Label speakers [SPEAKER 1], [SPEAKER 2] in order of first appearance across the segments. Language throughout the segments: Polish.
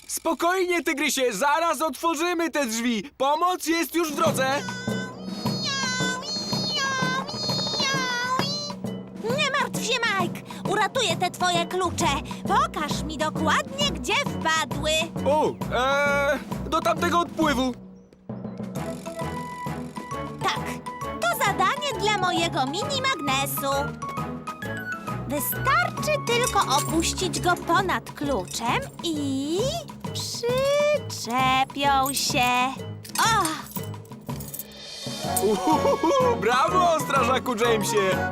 [SPEAKER 1] Spokojnie, tygrysie, zaraz otworzymy te drzwi. Pomoc jest już w drodze.
[SPEAKER 2] Nie martw się, Mike! Uratuję te twoje klucze. Pokaż mi dokładnie, gdzie wpadły.
[SPEAKER 1] O, do tamtego odpływu.
[SPEAKER 2] Tak, to zadanie dla mojego mini magnesu. Wystarczy tylko opuścić go ponad kluczem i przyczepią się. O!
[SPEAKER 1] Brawo, strażaku Jamesie.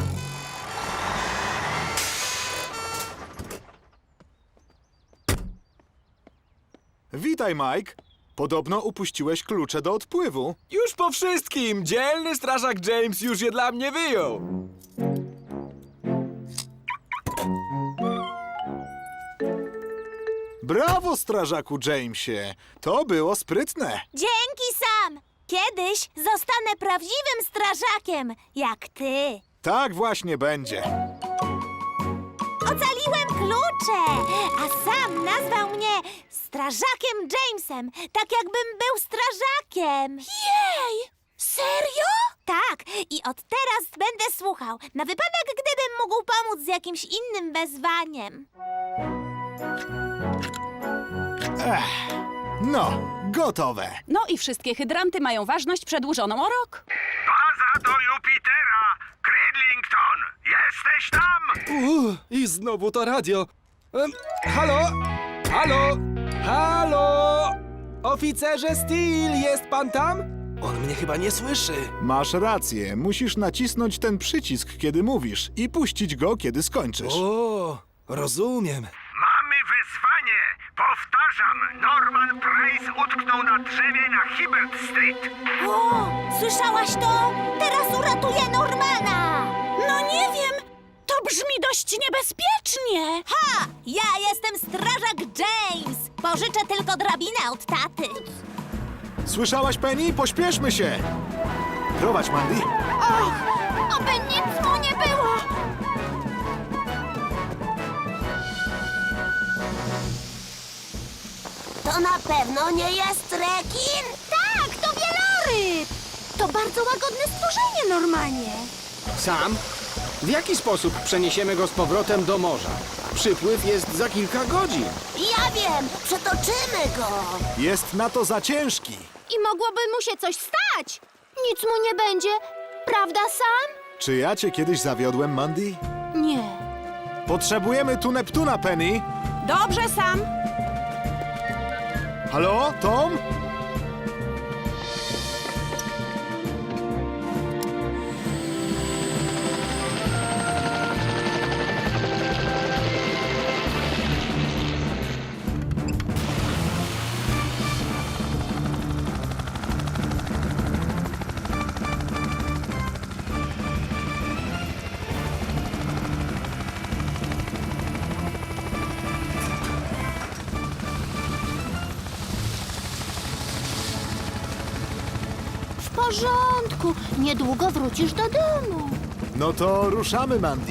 [SPEAKER 3] Witaj, Mike. Podobno upuściłeś klucze do odpływu.
[SPEAKER 1] Już po wszystkim. Dzielny strażak James już je dla mnie wyjął.
[SPEAKER 3] Brawo, strażaku Jamesie. To było sprytne.
[SPEAKER 2] Dzięki, Sam! Kiedyś zostanę prawdziwym strażakiem, jak ty.
[SPEAKER 3] Tak właśnie będzie.
[SPEAKER 2] Ocaliłem klucze, a Sam nazwał mnie strażakiem Jamesem, tak jakbym był strażakiem. Jej! Serio? Tak, i od teraz będę słuchał, na wypadek gdybym mógł pomóc z jakimś innym wezwaniem.
[SPEAKER 3] No, gotowe.
[SPEAKER 4] No i wszystkie hydranty mają ważność przedłużoną o rok.
[SPEAKER 5] Baza do Jupitera! Cridlington! Jesteś tam?
[SPEAKER 1] I znowu to radio. Halo? Halo? Halo? Oficerze Steel, jest pan tam? On mnie chyba nie słyszy.
[SPEAKER 3] Masz rację. Musisz nacisnąć ten przycisk, kiedy mówisz i puścić go, kiedy skończysz.
[SPEAKER 1] O, rozumiem.
[SPEAKER 5] Mamy wyzwanie! Powtarzam, Norman Price utknął na drzewie na Hibbert Street.
[SPEAKER 2] O, słyszałaś to? Teraz uratuję Normana!
[SPEAKER 4] No nie wiem, to brzmi dość niebezpiecznie.
[SPEAKER 2] Ha! Ja jestem strażak James! Pożyczę tylko drabinę od taty.
[SPEAKER 3] Słyszałaś, Penny? Pośpieszmy się. Prowadź, Mandy.
[SPEAKER 2] Oby nic mu nie było! To na pewno nie jest rekin? Tak, to wieloryb! To bardzo łagodne stworzenie, Normanie.
[SPEAKER 6] Sam? W jaki sposób przeniesiemy go z powrotem do morza? Przypływ jest za kilka godzin.
[SPEAKER 2] Ja wiem, przetoczymy go.
[SPEAKER 3] Jest na to za ciężki.
[SPEAKER 2] I mogłoby mu się coś stać. Nic mu nie będzie, prawda, Sam?
[SPEAKER 3] Czy ja cię kiedyś zawiodłem, Mandy?
[SPEAKER 4] Nie.
[SPEAKER 3] Potrzebujemy tu Neptuna, Penny.
[SPEAKER 4] Dobrze, Sam.
[SPEAKER 3] Halo, Tom?
[SPEAKER 2] W porządku, niedługo wrócisz do domu.
[SPEAKER 3] No to ruszamy, Mandy.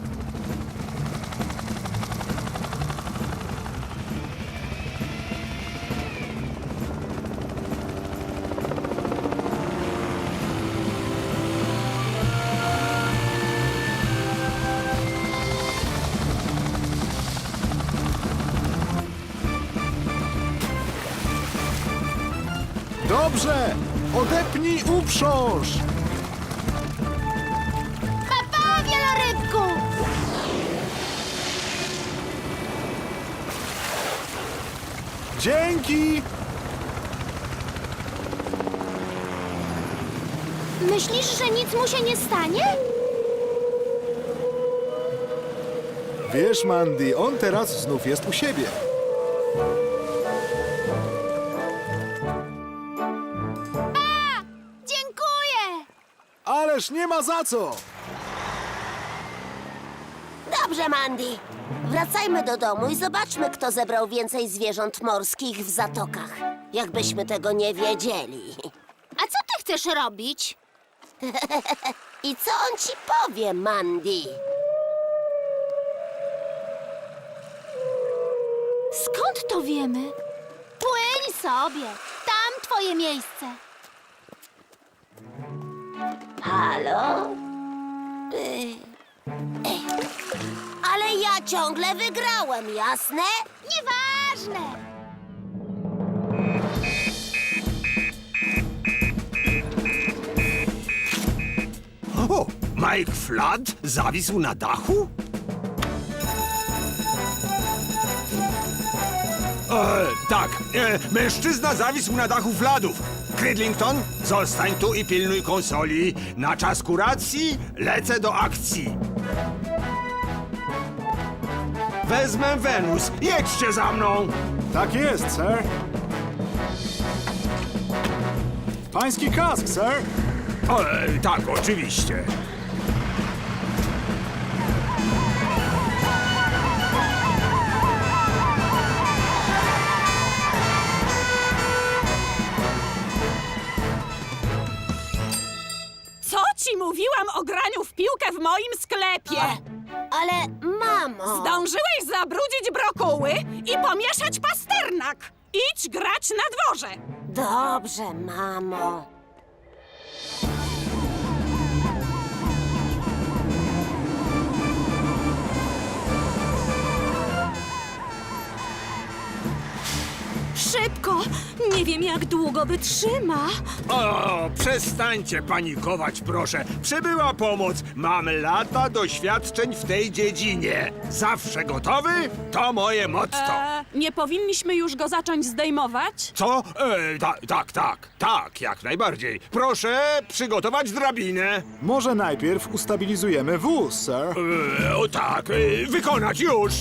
[SPEAKER 3] Dobrze! Odepnij uprząż!
[SPEAKER 2] Pa, wielorybku!
[SPEAKER 3] Dzięki!
[SPEAKER 2] Myślisz, że nic mu się nie stanie?
[SPEAKER 3] Wiesz, Mandy, on teraz znów jest u siebie.
[SPEAKER 2] Dziękuję!
[SPEAKER 3] Ależ nie ma za co!
[SPEAKER 7] Dobrze, Mandy. Wracajmy do domu i zobaczmy, kto zebrał więcej zwierząt morskich w zatokach. Jakbyśmy tego nie wiedzieli.
[SPEAKER 2] A co ty chcesz robić?
[SPEAKER 7] I co on ci powie, Mandy?
[SPEAKER 2] Skąd to wiemy? Płyń sobie. Tam twoje miejsce.
[SPEAKER 7] Halo? Ale ja ciągle wygrałem, jasne?
[SPEAKER 2] Nieważne.
[SPEAKER 5] O, Mike Flood zawisł na dachu? Tak, mężczyzna zawisł na dachu Floodów. Cridlington, zostań tu i pilnuj konsoli. Na czas kuracji lecę do akcji. Wezmę Wenus. Jedźcie za mną.
[SPEAKER 3] Tak jest, sir. Pański kask, sir.
[SPEAKER 5] Tak, oczywiście.
[SPEAKER 4] Co ci mówiłam o graniu w piłkę w moim sklepie?
[SPEAKER 7] Ale, mamo...
[SPEAKER 4] Zdążyłeś zabrudzić brokuły i pomieszać pasternak. Idź grać na dworze.
[SPEAKER 7] Dobrze, mamo.
[SPEAKER 4] Szybko! Nie wiem, jak długo wytrzyma.
[SPEAKER 5] O, przestańcie panikować, proszę. Przybyła pomoc. Mam lata doświadczeń w tej dziedzinie. Zawsze gotowy? To moje motto.
[SPEAKER 4] Nie powinniśmy już go zacząć zdejmować?
[SPEAKER 5] Co? Tak, jak najbardziej. Proszę przygotować drabinę.
[SPEAKER 3] Może najpierw ustabilizujemy wóz, sir.
[SPEAKER 5] Tak, wykonać już.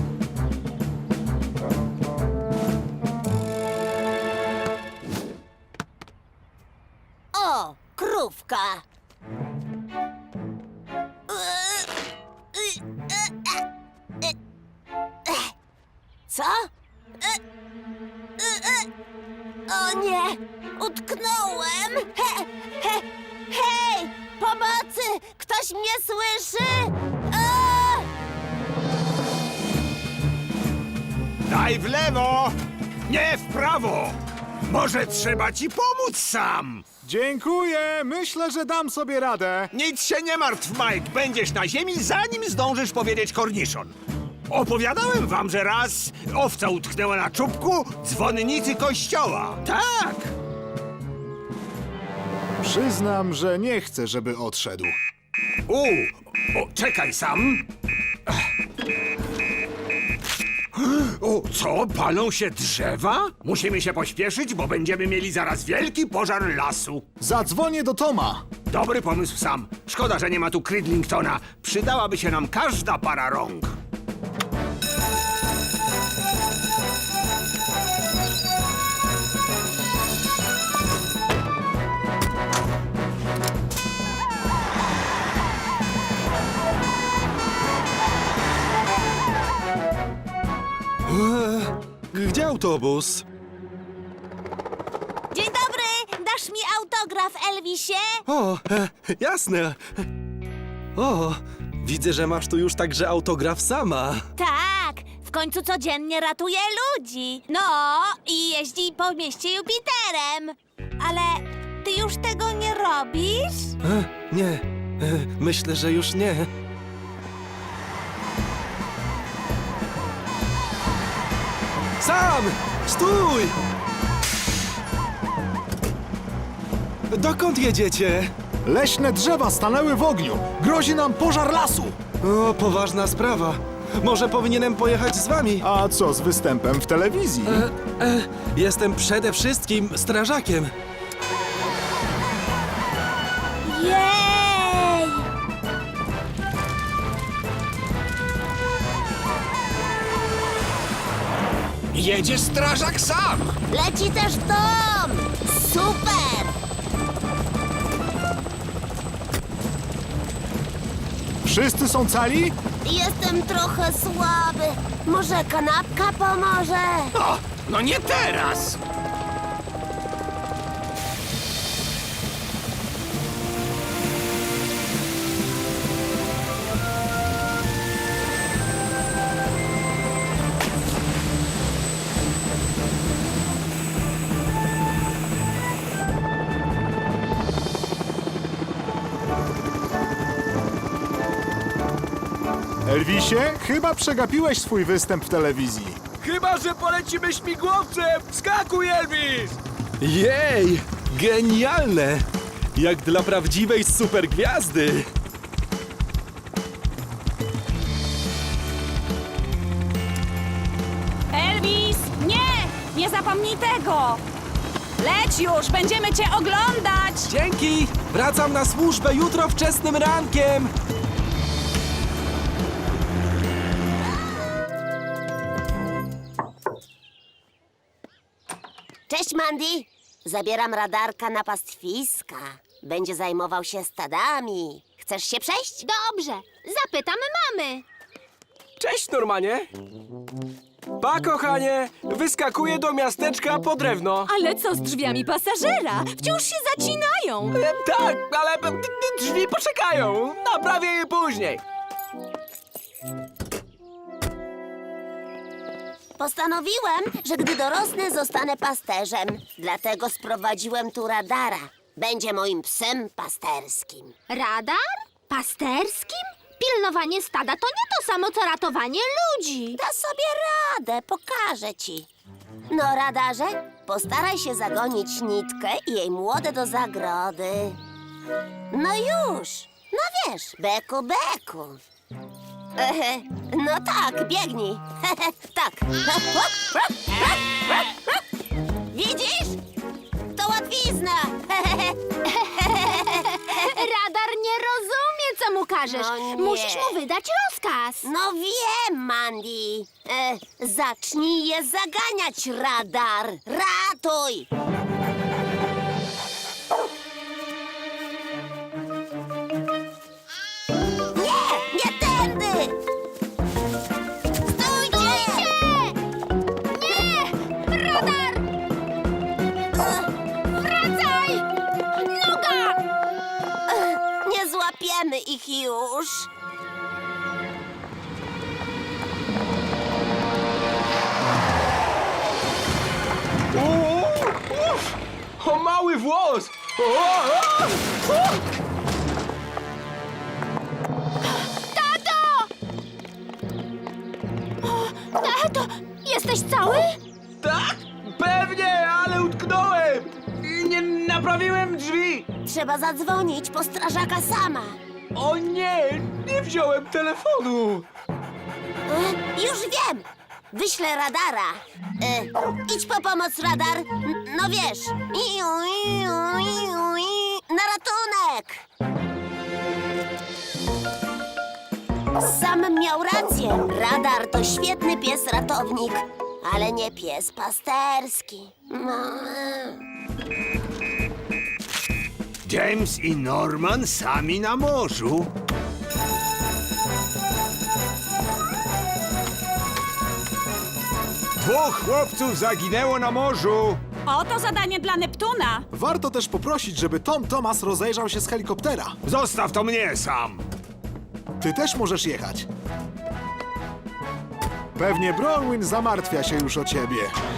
[SPEAKER 7] O, krówka. Co? O nie, utknąłem. Hej, pomocy! Ktoś mnie słyszy?
[SPEAKER 5] Daj w lewo, nie w prawo. Może trzeba ci pomóc sam.
[SPEAKER 3] Dziękuję. Myślę, że dam sobie radę.
[SPEAKER 5] Nic się nie martw, Mike. Będziesz na ziemi, zanim zdążysz powiedzieć korniszon. Opowiadałem wam, że raz owca utknęła na czubku dzwonnicy kościoła. Tak!
[SPEAKER 3] Przyznam, że nie chcę, żeby odszedł.
[SPEAKER 5] Czekaj sam. O, co? Palą się drzewa? Musimy się pośpieszyć, bo będziemy mieli zaraz wielki pożar lasu.
[SPEAKER 3] Zadzwonię do Toma.
[SPEAKER 5] Dobry pomysł, Sam. Szkoda, że nie ma tu Cridlingtona. Przydałaby się nam każda para rąk.
[SPEAKER 1] Gdzie autobus?
[SPEAKER 2] Dzień dobry. Dasz mi autograf, Elvisie?
[SPEAKER 1] O, jasne. O, widzę, że masz tu już także autograf sama.
[SPEAKER 2] Tak. W końcu codziennie ratuje ludzi. No, i jeździ po mieście Jupiterem. Ale ty już tego nie robisz?
[SPEAKER 1] Nie, myślę, że już nie. Sam! Stój! Dokąd jedziecie?
[SPEAKER 3] Leśne drzewa stanęły w ogniu. Grozi nam pożar lasu.
[SPEAKER 1] O, poważna sprawa. Może powinienem pojechać z wami?
[SPEAKER 3] A co z występem w telewizji?
[SPEAKER 1] Jestem przede wszystkim strażakiem.
[SPEAKER 2] Jej!
[SPEAKER 6] Jedzie strażak sam!
[SPEAKER 7] Leci też Tom! Super!
[SPEAKER 3] Wszyscy są cali?
[SPEAKER 7] Jestem trochę słaby. Może kanapka pomoże?
[SPEAKER 6] O, no nie teraz!
[SPEAKER 3] Elvisie, chyba przegapiłeś swój występ w telewizji.
[SPEAKER 1] Chyba że polecimy śmigłowcem! Skakuj, Elvis! Jej! Genialne! Jak dla prawdziwej supergwiazdy!
[SPEAKER 4] Elvis, nie! Nie zapomnij tego! Leć już, będziemy cię oglądać!
[SPEAKER 1] Dzięki! Wracam na służbę jutro wczesnym rankiem!
[SPEAKER 7] Cześć, Mandy. Zabieram radarka na pastwiska. Będzie zajmował się stadami. Chcesz się przejść?
[SPEAKER 2] Dobrze, zapytam mamy.
[SPEAKER 1] Cześć, Normanie! Pa, kochanie! Wyskakuję do miasteczka po drewno.
[SPEAKER 4] Ale co z drzwiami pasażera? Wciąż się zacinają!
[SPEAKER 1] Tak, ale drzwi poczekają. Naprawię je później.
[SPEAKER 7] Postanowiłem, że gdy dorosnę, zostanę pasterzem. Dlatego sprowadziłem tu radara. Będzie moim psem pasterskim.
[SPEAKER 2] Radar? Pasterskim? Pilnowanie stada to nie to samo, co ratowanie ludzi.
[SPEAKER 7] Da sobie radę, pokażę ci. No, radarze, postaraj się zagonić nitkę i jej młode do zagrody. No już. No wiesz, beku, beku. No tak, biegnij. Tak. Widzisz? To łatwizna.
[SPEAKER 2] Radar nie rozumie, co mu każesz.
[SPEAKER 7] No nie.
[SPEAKER 2] Musisz mu wydać rozkaz.
[SPEAKER 7] No wiem, Mandy. Zacznij je zaganiać, radar. Ratuj! Nie, nie tędy! Stójcie!
[SPEAKER 2] Nie! Radar! Wracaj! Noga!
[SPEAKER 7] Nie złapiemy ich już.
[SPEAKER 1] O, mały włos!
[SPEAKER 2] Tato, jesteś cały?
[SPEAKER 1] Tak, pewnie, ale utknąłem! I nie naprawiłem drzwi!
[SPEAKER 7] Trzeba zadzwonić po strażaka sama.
[SPEAKER 1] O nie, nie wziąłem telefonu!
[SPEAKER 7] Już wiem! Wyślę radara. Idź po pomoc, radar. No wiesz. Na ratunek! Sam miał rację. Radar to świetny pies ratownik, ale nie pies pasterski. No.
[SPEAKER 5] James i Norman sami na morzu. Dwóch chłopców zaginęło na morzu.
[SPEAKER 4] Oto zadanie dla Neptuna!
[SPEAKER 3] Warto też poprosić, żeby Tom Thomas rozejrzał się z helikoptera.
[SPEAKER 5] Zostaw to mnie sam.
[SPEAKER 3] Ty też możesz jechać. Pewnie Bronwyn zamartwia się już o ciebie.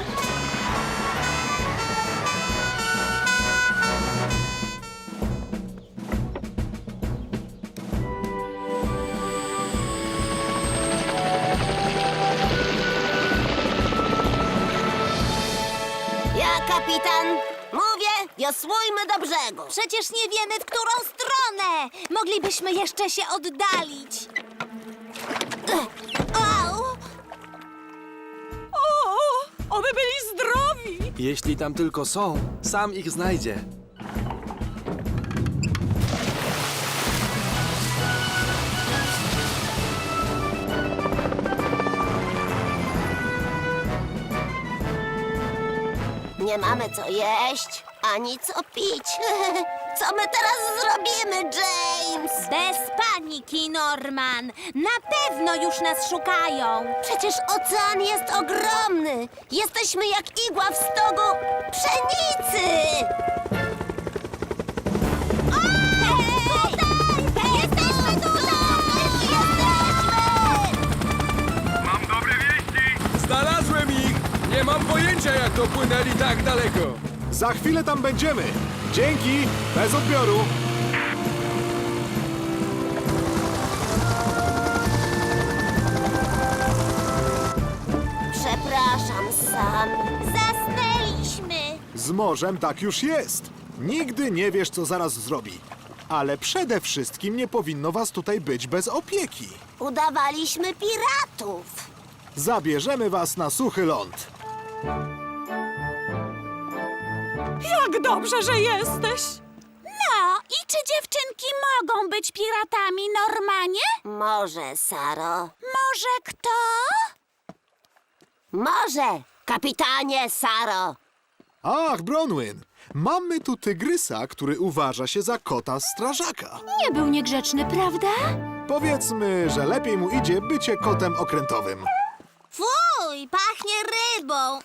[SPEAKER 7] Ja, kapitan, mówię, wiosłujmy do brzegu.
[SPEAKER 2] Przecież nie wiemy, w którą stronę. Moglibyśmy jeszcze się oddalić. Au!
[SPEAKER 4] O, oby byli zdrowi!
[SPEAKER 1] Jeśli tam tylko są, sam ich znajdzie.
[SPEAKER 7] Nie mamy co jeść, ani co pić. Co my teraz zrobimy, James?
[SPEAKER 2] Bez paniki, Norman. Na pewno już nas szukają.
[SPEAKER 7] Przecież ocean jest ogromny. Jesteśmy jak igła w stogu pszenicy. Jesteśmy tutaj! Jesteśmy!
[SPEAKER 1] Znalazłem ich! Nie mam pojęcia, jak dopłynęli tak daleko.
[SPEAKER 3] Za chwilę tam będziemy. Dzięki, bez odbioru.
[SPEAKER 7] Przepraszam, Sam.
[SPEAKER 2] Zasnęliśmy.
[SPEAKER 3] Z morzem tak już jest. Nigdy nie wiesz, co zaraz zrobi. Ale przede wszystkim nie powinno was tutaj być bez opieki.
[SPEAKER 7] Udawaliśmy piratów.
[SPEAKER 3] Zabierzemy was na suchy ląd.
[SPEAKER 4] Jak dobrze, że jesteś!
[SPEAKER 2] No, i czy dziewczynki mogą być piratami, Normanie?
[SPEAKER 7] Może, Saro.
[SPEAKER 2] Może kto?
[SPEAKER 7] Może, kapitanie Saro.
[SPEAKER 3] Ach, Bronwyn, mamy tu tygrysa, który uważa się za kota strażaka.
[SPEAKER 2] Nie był niegrzeczny, prawda?
[SPEAKER 3] Powiedzmy, że lepiej mu idzie bycie kotem okrętowym.
[SPEAKER 2] Fuj, pachnie rybą.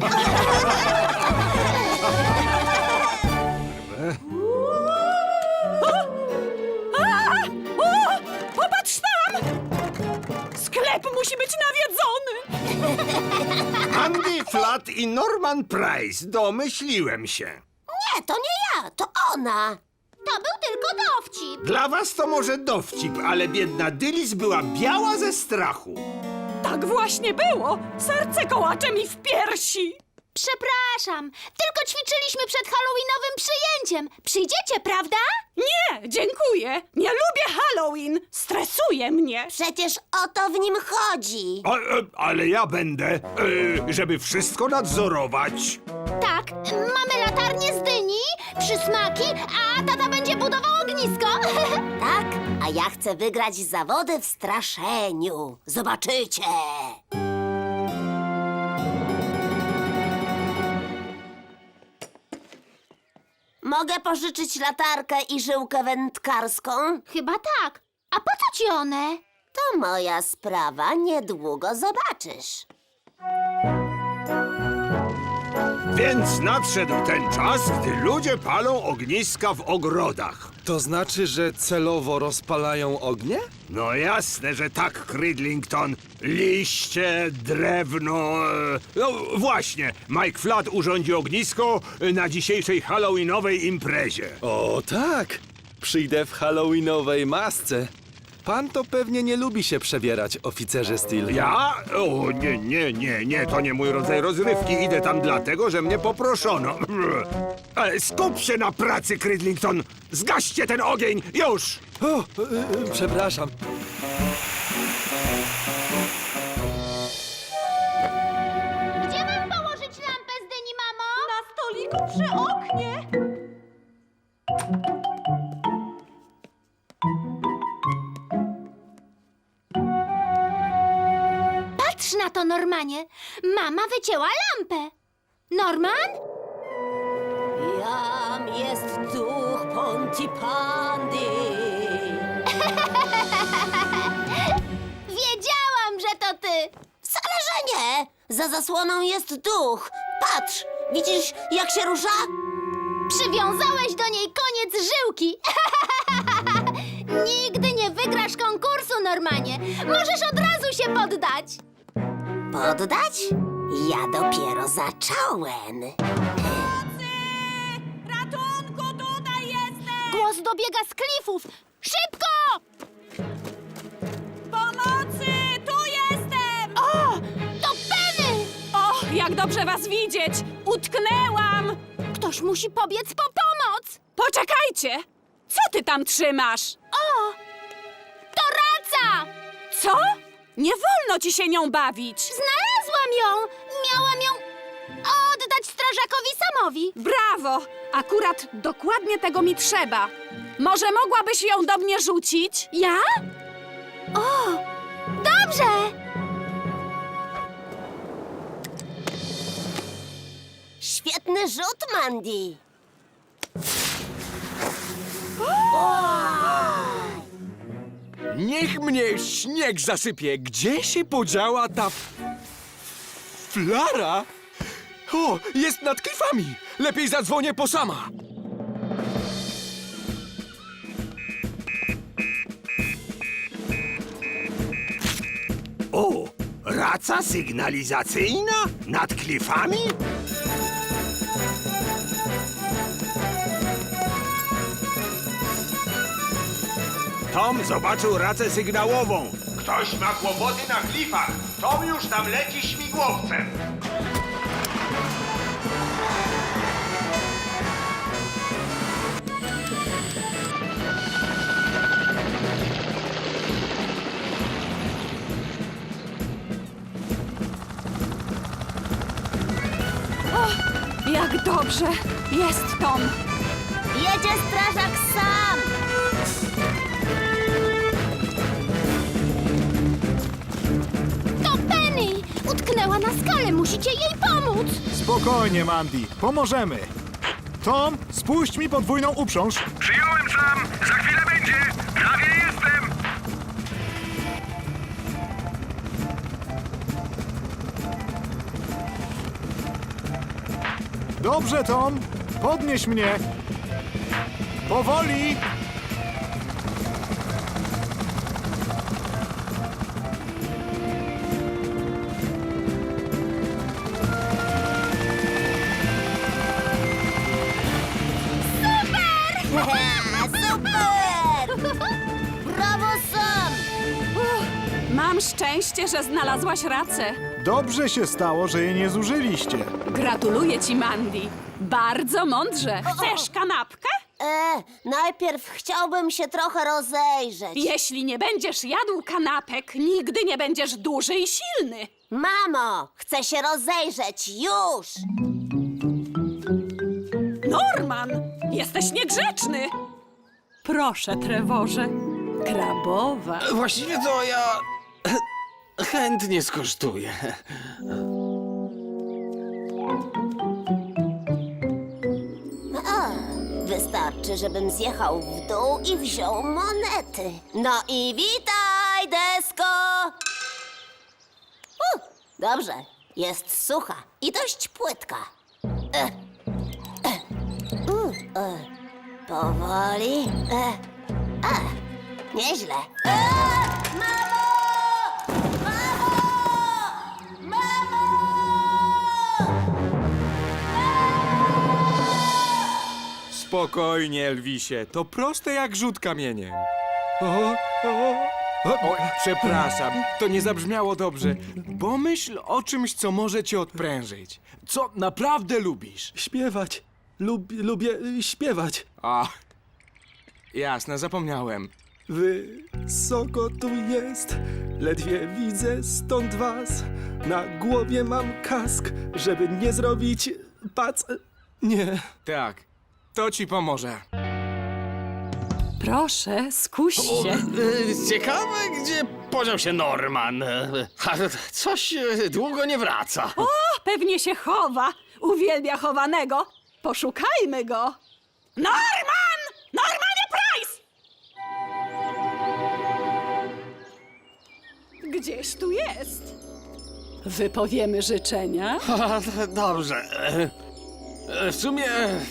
[SPEAKER 4] O! Popatrz tam! Sklep musi być nawiedzony!
[SPEAKER 5] Andy Flat i Norman Price, domyśliłem się.
[SPEAKER 7] Nie, to nie ja, to ona.
[SPEAKER 2] To był tylko dowcip.
[SPEAKER 5] Dla was to może dowcip, ale biedna Dylis była biała ze strachu.
[SPEAKER 4] Tak właśnie było! Serce kołacze mi w piersi!
[SPEAKER 2] Przepraszam, tylko ćwiczyliśmy przed halloweenowym przyjęciem. Przyjdziecie, prawda?
[SPEAKER 4] Nie, dziękuję! Nie lubię Halloween! Stresuje mnie!
[SPEAKER 7] Przecież o to w nim chodzi.
[SPEAKER 5] Ale ja będę, żeby wszystko nadzorować.
[SPEAKER 2] Tak, mamy latarnię z dyni, przysmaki, a tata będzie budował ognisko.
[SPEAKER 7] Tak, a ja chcę wygrać zawody w straszeniu. Zobaczycie. Mogę pożyczyć latarkę i żyłkę wędkarską?
[SPEAKER 2] Chyba tak. A po co ci one?
[SPEAKER 7] To moja sprawa, niedługo zobaczysz.
[SPEAKER 5] Więc nadszedł ten czas, gdy ludzie palą ogniska w ogrodach.
[SPEAKER 1] To znaczy, że celowo rozpalają ognie?
[SPEAKER 5] No jasne, że tak, Cridlington. Liście, drewno... No właśnie, Mike Flat urządzi ognisko na dzisiejszej halloweenowej imprezie.
[SPEAKER 1] O tak! Przyjdę w halloweenowej masce. Pan to pewnie nie lubi się przebierać, oficerze Steel.
[SPEAKER 5] Ja? O, nie, to nie mój rodzaj rozrywki. Idę tam dlatego, że mnie poproszono. Skup się na pracy, Cridlington! Zgaście ten ogień, już!
[SPEAKER 1] O, przepraszam.
[SPEAKER 2] Gdzie mam położyć lampę z dyni, mamo?
[SPEAKER 4] Na stoliku przy oknie!
[SPEAKER 2] Patrz na to, Normanie. Mama wycięła lampę. Norman?
[SPEAKER 7] Jam jest duch Pontypandy.
[SPEAKER 2] Wiedziałam, że to ty.
[SPEAKER 7] Wcale, że nie. Za zasłoną jest duch. Patrz, widzisz, jak się rusza?
[SPEAKER 2] Przywiązałeś do niej koniec żyłki. Nigdy nie wygrasz konkursu, Normanie. Możesz od razu się poddać.
[SPEAKER 7] Poddać? Ja dopiero zacząłem.
[SPEAKER 4] Ratunku, tutaj jestem!
[SPEAKER 2] Głos dobiega z klifów. Szybko!
[SPEAKER 4] Pomocy, tu jestem!
[SPEAKER 2] O, to Penny!
[SPEAKER 4] O, jak dobrze was widzieć! Utknęłam!
[SPEAKER 2] Ktoś musi pobiec po pomoc.
[SPEAKER 4] Poczekajcie! Co ty tam trzymasz?
[SPEAKER 2] O, to raca!
[SPEAKER 4] Co? Nie wolno ci się nią bawić!
[SPEAKER 2] Znalazłam ją. Miałam ją oddać strażakowi Samowi.
[SPEAKER 4] Brawo! Akurat dokładnie tego mi trzeba. Może mogłabyś ją do mnie rzucić?
[SPEAKER 2] Ja? O, dobrze!
[SPEAKER 7] Świetny rzut, Mandy.
[SPEAKER 1] Niech mnie śnieg zasypie. Gdzie się podziała ta flara? O, jest nad klifami. Lepiej zadzwonię po Sama.
[SPEAKER 5] O, raca sygnalizacyjna? Nad klifami? Tom zobaczył racę sygnałową. Ktoś ma kłopoty na klifach. Tom już tam leci śmigłowcem.
[SPEAKER 4] Jak dobrze. Jest Tom.
[SPEAKER 7] Jedzie strażak sam!
[SPEAKER 2] To Penny! Utknęła na skale, musicie jej pomóc!
[SPEAKER 3] Spokojnie, Mandy, pomożemy. Tom, spuść mi podwójną uprząż.
[SPEAKER 8] Przyjąłem sam! Za chwilę będzie! Prawie jestem!
[SPEAKER 3] Dobrze, Tom, podnieś mnie. Powoli.
[SPEAKER 7] Super! Brawo, Sam!
[SPEAKER 4] Mam szczęście, że znalazłaś racę.
[SPEAKER 3] Dobrze się stało, że jej nie zużyliście.
[SPEAKER 4] Gratuluję ci, Mandy. Bardzo mądrze. Chcesz kanapkę?
[SPEAKER 7] Najpierw chciałbym się trochę rozejrzeć.
[SPEAKER 4] Jeśli nie będziesz jadł kanapek, nigdy nie będziesz duży i silny.
[SPEAKER 7] Mamo, chcę się rozejrzeć, już!
[SPEAKER 4] Norman, jesteś niegrzeczny. Proszę, Trevorze. Krabowa.
[SPEAKER 6] Właściwie to ja chętnie skosztuję.
[SPEAKER 7] Wystarczy, żebym zjechał w dół i wziął monety. No i witaj, desko! Dobrze, jest sucha i dość płytka. Powoli. Nieźle. Mamo! Mamo! Mamo!
[SPEAKER 1] Spokojnie, Elvisie, to proste jak rzut kamieniem. O, przepraszam, to nie zabrzmiało dobrze. Pomyśl o czymś, co może cię odprężyć. Co naprawdę lubisz.
[SPEAKER 9] Śpiewać. Lubię śpiewać.
[SPEAKER 1] A, jasne, zapomniałem.
[SPEAKER 9] Wysoko tu jest, ledwie widzę stąd was. Na głowie mam kask, żeby nie zrobić Nie.
[SPEAKER 1] Tak, to ci pomoże.
[SPEAKER 4] Proszę, skuś się.
[SPEAKER 6] Ciekawe, gdzie podział się Norman. Coś długo nie wraca.
[SPEAKER 4] O, pewnie się chowa. Uwielbia chowanego. Poszukajmy go. Norman! Normanie Price! Gdzieś tu jest. Wypowiemy życzenia.
[SPEAKER 6] Dobrze. W sumie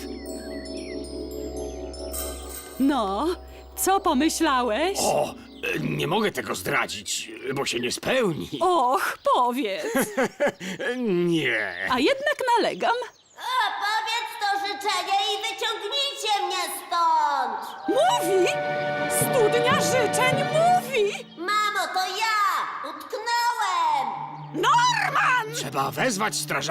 [SPEAKER 4] No, co pomyślałeś?
[SPEAKER 6] nie mogę tego zdradzić, bo się nie spełni.
[SPEAKER 4] Och, powiedz.
[SPEAKER 6] Nie.
[SPEAKER 4] A jednak nalegam.
[SPEAKER 7] Powiedz to życzenie i wyciągnijcie mnie stąd!
[SPEAKER 4] Mówi! Studnia życzeń mówi!
[SPEAKER 7] Mamo, to ja! Utknąłem!
[SPEAKER 4] Norman!
[SPEAKER 6] Trzeba wezwać strażaka.